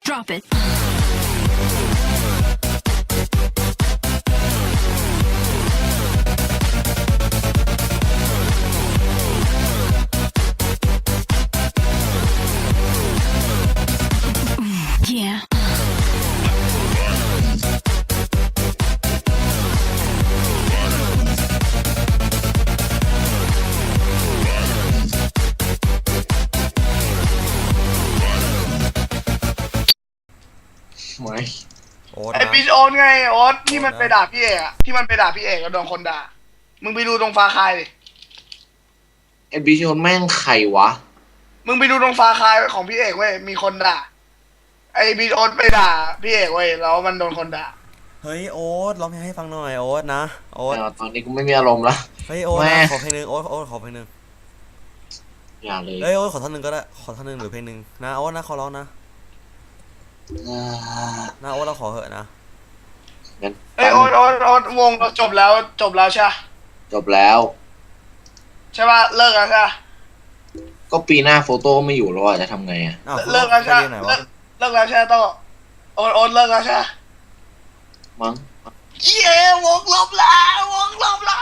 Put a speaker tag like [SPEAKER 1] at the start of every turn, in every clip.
[SPEAKER 1] Drop it. Yeah.
[SPEAKER 2] ไม่
[SPEAKER 3] โอ๊ต
[SPEAKER 4] ไอ้
[SPEAKER 3] นะ
[SPEAKER 4] ปิชโอนไงโอ๊ตที่มัน
[SPEAKER 3] โอ๊ตนะ
[SPEAKER 4] ไปด่าพี่เอกอะที่มันไปด่าพี่เอกแล้วโดนคนด่า มึงไปดูตรงฟาคายดิ
[SPEAKER 2] ไอ้บิชโอนแม่งใครวะ
[SPEAKER 4] มึงไปดูตรงฟาคายของพี่เอกเว้ยมีคนด่า ไอ้ปิชโอนไปด่าพี่เอกเว้ยแล้วมันโดนคนด่า
[SPEAKER 3] เฮ้ยโอ๊ตร้องเพลงให้ฟังหน่อยโอ๊ตนะโอ๊ต
[SPEAKER 2] ตอนนี้กูไม่มีอารมณ์ละ
[SPEAKER 3] เฮ้ยโอ๊ต
[SPEAKER 2] แม่
[SPEAKER 3] นะขอเพลงหนึงโอ๊ตขอเพลงหนึง
[SPEAKER 2] อย่าเลย
[SPEAKER 3] เฮ้ยโอ๊ตขอท่อนหนึงก็ได้ขอท่อนหนึงหรือเพลงหนึงนะโอ๊ตนะขอร้องนะ
[SPEAKER 2] อ่า
[SPEAKER 3] นะโอ๊ตเราขอเหอะนะ
[SPEAKER 2] งั้น
[SPEAKER 4] เอ้ยโอ๊ตวงเราจบแล้วใช่ปะ
[SPEAKER 2] จบแล้ว
[SPEAKER 4] ใช่ปะเลิกแล้วใช่ปะ
[SPEAKER 2] ก็ปีหน้าโฟโต้ไม่อยู่แล้วอะจะทำไงอะ
[SPEAKER 3] อ้าว
[SPEAKER 4] เลิกแล้วใช่
[SPEAKER 3] ไป
[SPEAKER 4] ปะ
[SPEAKER 3] ไหน
[SPEAKER 4] เลิ
[SPEAKER 3] วะ
[SPEAKER 4] กเลิกแล้วใช่ปะโต้โอ๊ตเลิกแล้วใช่ปะ
[SPEAKER 2] มั้ง
[SPEAKER 4] เย้วงลบแล้ววงลบแล้ว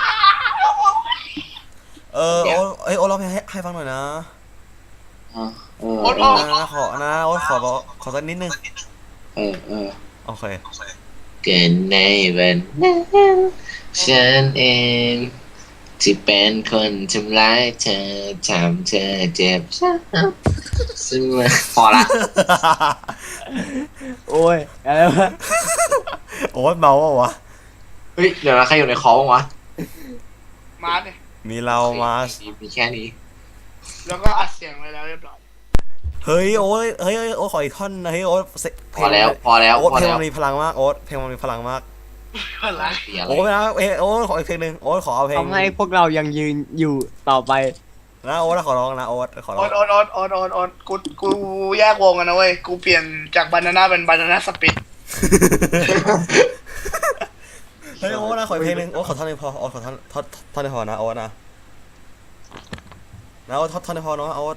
[SPEAKER 3] โอ๊ตร้องเพลงให้ฟังหน่อยนะ
[SPEAKER 2] อ่ะเออ
[SPEAKER 4] โอ๊ต
[SPEAKER 2] เอ
[SPEAKER 4] โอ๊
[SPEAKER 2] อ
[SPEAKER 4] ต
[SPEAKER 3] นะขอนะโอ๊ตขอสักนิดนึง
[SPEAKER 2] เออ
[SPEAKER 3] โอเค
[SPEAKER 2] เกินในวันนั้นฉันเอง ที่เป็นคนทำร้ายเธอทำเธอเจ็บช้ำซึ่งพอละ
[SPEAKER 5] โอ้ยอะไรวะ
[SPEAKER 3] โอ๊ตเมาเปล่าวะ
[SPEAKER 2] เฮ้ยเดี๋ยวนะใครอยู่ในคอบ้างวะ
[SPEAKER 4] มาดิ
[SPEAKER 3] มีเรามา
[SPEAKER 2] มีแค่นี้
[SPEAKER 4] แล้วก็อัดเสียงไว้แล้วเรียบร้อย
[SPEAKER 3] เฮ้ยโอ๊ตเฮ้ยโอ๊ตขออีกท่อนนะเฮ้ยโอ๊ตเพ
[SPEAKER 2] พอแล้ว
[SPEAKER 3] โอ๊ต
[SPEAKER 2] พอ
[SPEAKER 3] เพลง
[SPEAKER 2] แล้ว
[SPEAKER 3] มันมีพลังมากโอ๊ตเพลงมันมีพลังมาก
[SPEAKER 4] อะไร
[SPEAKER 2] เสียอะไร
[SPEAKER 3] โอ๊ตนะโอ๊ตขออีกเพลงหนึ่งโอ๊ตขอเอาเพลง
[SPEAKER 5] ทำให้พวกเรายังยืนอยู่ต่อไป
[SPEAKER 3] นะโอ๊ตขอร้องนะโอ๊ตขอร้อง
[SPEAKER 4] โอ๊ตกูแยกวงกันนะเว้ย กูเปลี่ยนจากบานาน่าเป็นบานาน่าสปิด
[SPEAKER 3] เฮ้ยโอ๊ตนะขออีกเพลงหนึ่งโอ๊ตขอท่อนหนึงพอโอ๊ตขอท่อนหนึงพอนะโอ๊ตนะโอ๊ตท่อนหนึงพอเนาะโอ๊ต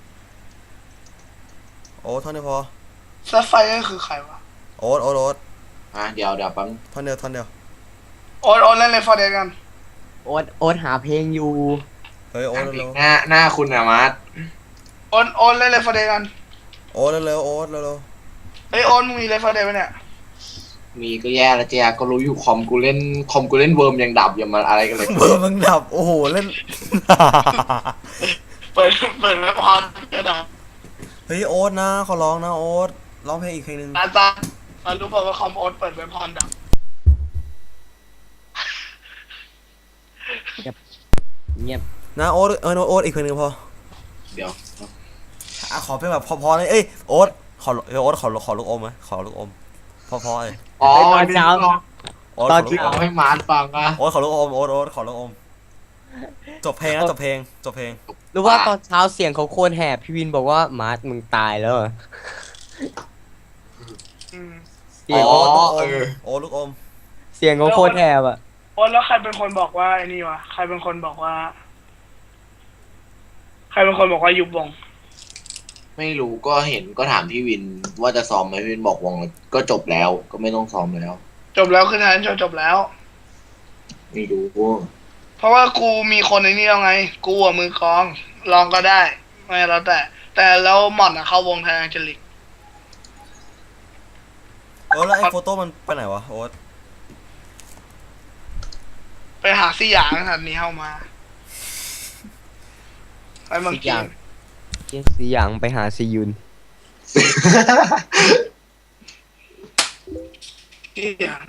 [SPEAKER 3] ท่อนหนึงพอ
[SPEAKER 4] ซัฟไฟก็คือใครวะ
[SPEAKER 3] โอ๊ต
[SPEAKER 2] เดี๋ยวแป๊บ
[SPEAKER 3] ท่อนเดียว
[SPEAKER 4] โอ๊ตเล่นเลยฟอร์เดกัน
[SPEAKER 5] โอ๊ตหาเพลงอยู่
[SPEAKER 3] เฮ้ยโอ๊ตเร็ว
[SPEAKER 2] หน้าคุณอะมาร์ท
[SPEAKER 4] โอ๊ตเล่นเลยฟอร์เดกัน
[SPEAKER 3] โอ๊ตเร็วโอ๊ตเร็ว
[SPEAKER 4] เฮ้ยโอ๊ตมึงมีเลยฟอร์เดไหมเนี่ย
[SPEAKER 2] มีก็แย่แล้วเจ๊ก็รู้อยู่คอมกูเล่นเวิร์มยังดับอย่ามาอะไรกันเลย
[SPEAKER 3] เบอร์มึงดับโอ้โหเล่น
[SPEAKER 4] เปิดแล้วพอนกระดาษ
[SPEAKER 3] เฮ้ยโอ๊ตนะขอร้องนะโอ๊ตร้องเพลงอีกเพลงหนึ่ง
[SPEAKER 4] ตารู้เปล่าว่าคอมโอ๊ตเปิดเว็บพอนดับ
[SPEAKER 5] เงียบ
[SPEAKER 3] นะโอ๊ตโอ๊ตอีกเพลงหนึ่งพอ
[SPEAKER 2] เดี๋ยว
[SPEAKER 3] ขอเพลงแบบพอๆเลยเอ้ยโอ๊ตขอลูกอมไหมขอลูกอมพอเลย
[SPEAKER 2] อ๋อ
[SPEAKER 5] ตอนเช้า
[SPEAKER 3] โอ๊ต
[SPEAKER 5] ตอน
[SPEAKER 3] ขอลู
[SPEAKER 5] ที่
[SPEAKER 3] กอ
[SPEAKER 2] เอา
[SPEAKER 3] ม
[SPEAKER 2] ให้มาร์ทฟังอะ
[SPEAKER 3] โอ๊ตขอลูกอมโอ๊ตขอลูกอมจบเพลงนะจบเพลง
[SPEAKER 5] รู้ว่าตอนเช้าเสียงเขาโคตรแหบพี่วินบอกว่ามาร์ทมึงตายแล้วเหรอ
[SPEAKER 4] อืม
[SPEAKER 5] เสียง
[SPEAKER 2] อ๋อ
[SPEAKER 3] โอ๊ตลูกอม
[SPEAKER 5] เสียงเขาโคตรแหบอ่ะ
[SPEAKER 4] โอ๊ตแล้วใครเป็นคนบอกว่าไอ้นี่วะใครเป็นคนบอกว่ายุบวง
[SPEAKER 2] ไม่รู้ก็เห็นก็ถามพี่วินว่าจะซ้อมไหมพี่วินบอกวงก็จบแล้วก็ไม่ต้องซ้อมแล้ว
[SPEAKER 4] จบแล้วคือทางจบแล้ว
[SPEAKER 2] ไม่รู้
[SPEAKER 4] เพราะว่ากูมีคนในนี้แล้วไง กูอะมือกลองลองก็ได้ ไม่แล้วแต่แล้วหม่อนอะเข้าวงแทนแองเจลิก
[SPEAKER 3] แล้วไอ้โฟโต้มันไปไหนวะโอ๊ต
[SPEAKER 4] ไปหาซี่หยางทันนี้เข้ามาไปเมืองจีน
[SPEAKER 5] สีอย่างไปหาซียุน
[SPEAKER 4] ซี่หยาง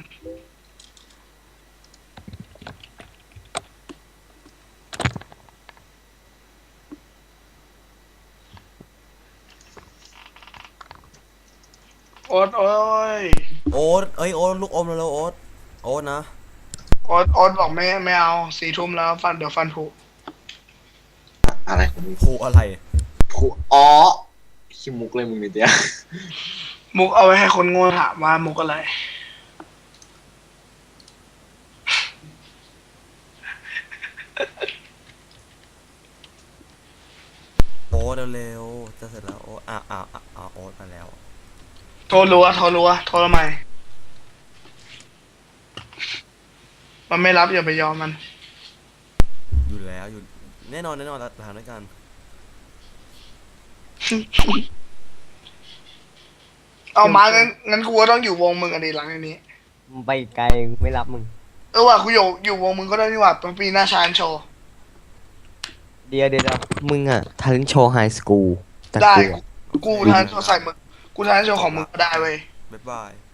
[SPEAKER 4] โอ๊ต
[SPEAKER 3] โอ๊ตโอ๊ตลูกอมแล้วโอ๊ตนะ
[SPEAKER 4] โอ๊ตบอกไม่เอา4 ทุ่มแล้วเดี๋ยวฟันผุ
[SPEAKER 2] อะไรของมึง
[SPEAKER 3] ผูอะไร
[SPEAKER 2] อ๋อขี้มุกเลยมึงนี่เดียว
[SPEAKER 4] มุกเอาไว้ให้คนโง่ถามว่ามุกอะไร
[SPEAKER 3] โอ๊ตเร็วจะเสร็จแล้วโอ๊ตโอ๊ตมาแล้ว
[SPEAKER 4] โทรรัวโทรรัวโทรทำไมมันไม่รับอย่าไปยอมมัน
[SPEAKER 3] อยู่แล้วอยู่แน่นอนเราทำด้วยกัน
[SPEAKER 4] เอามางั้นกูก็ต้องอยู่วงมึงอันนี้หลังอันนี้
[SPEAKER 5] มึงไปไกลกูไม่รับมึง
[SPEAKER 4] ว่ะกูอยู่วงมึงก็ได้นี่หว่าปีหน้าชาญโชว์
[SPEAKER 5] เดี๋ยวมึงอะทันโชว์ไฮสคูลแต่
[SPEAKER 4] ได้
[SPEAKER 5] กูอะ
[SPEAKER 4] กูทานโชว์ใส่มึงกูทานโชว์ของมึงก็ได้เว้ย
[SPEAKER 3] บ๊ายบาย